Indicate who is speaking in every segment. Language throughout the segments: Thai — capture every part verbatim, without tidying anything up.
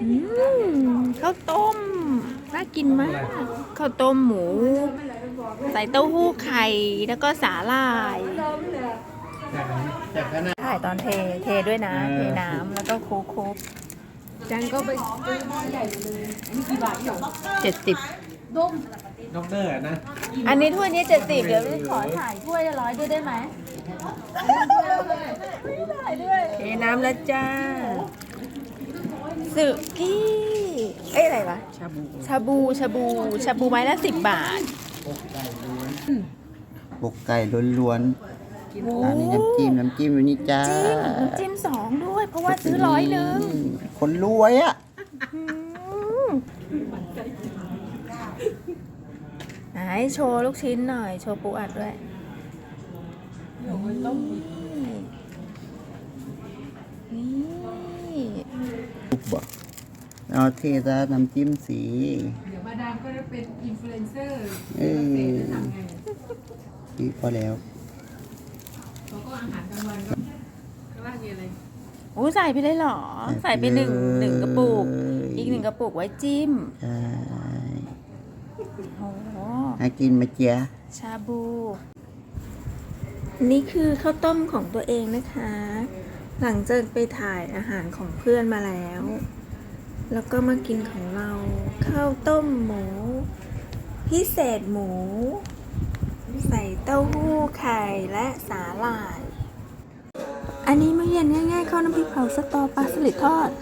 Speaker 1: อืมข้าวต้มน่ากินมากข้าวต้มหมูใส่เต้าหู้ไข่แล้วก็สาหร่ายถ่ายตอนเทเทด้วยนะเทน้ำแล้วก็โคกโคกจันก็ไปซื้อหม้อใหญ่เลยอันนี้กี่บาทอยู่เจ็ดสิบด้ม
Speaker 2: ด็อกเตอร์นะ
Speaker 1: อันนี้ถ้วยนี้เจ็ดสิบเดี๋ยวขอถ่ายถ้วยละร้อยด้วยได้ไหมถ่ายด้วยเทน้ำแล้วจ้าสึกี้เอ้ยอะไรวะชาบูชาบูชาบูชาบูไม้ละสิบบาท
Speaker 3: ปกไก่ล้วนๆอันนี้น้ำจิ้มน้ำจิ้มวันนี้จ้า
Speaker 1: จิ้มน้ำจิ้มสองด้วยเพราะว่าซื้อร้อยหนึ่ง
Speaker 3: คนรวยอ่ะ
Speaker 1: ไหนโชว์ลูกชิ้นหน่อยโชว์ปูอัดด้วยนี่
Speaker 3: ปุ๊บบอกเอาเทซะน้ำจิ้มสี
Speaker 4: เดี๋ยวมาดามก็จะเป็นอินฟลูเอนเซอร์
Speaker 3: เออนี่พอแล้ว
Speaker 4: เขาก็อาหารกลางวันก็ข้างล่างมีอะไร
Speaker 1: โอ้ใส่ไปเลยเหรอใส่ไปหนึ่งหนึ่งกระปุกอีกหนึ่งกระปุกไว้จิ้ม
Speaker 3: ใช่
Speaker 1: โอ้
Speaker 3: ให้กินมาเจีย
Speaker 1: ชาบูนี่คือข้าวต้มของตัวเองนะคะ หลังจากไปถ่ายอาหารของเพื่อนมาแล้ว แล้วก็มากินของเราข้าวต้มหมูพิเศษหมู ใส่เต้าหู้ไข่และสาหร่าย อันนี้มื้อเย็นง่ายๆข้าวน้ำพริกเผาสตอปลาสลิดทอด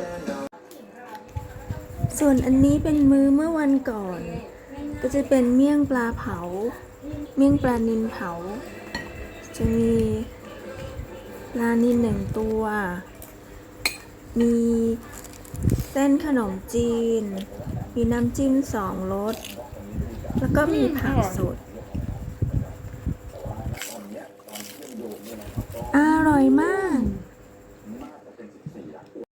Speaker 1: ส่วนอันนี้เป็นมื้อเมื่อวันก่อนก็จะเป็นเมี่ยงปลาเผาเมี่ยงปลานิลเผาจะมีปลานิลหนึ่งตัวมีเส้นขนมจีนมีน้ำจิ้มสองรสแล้วก็มีผักสด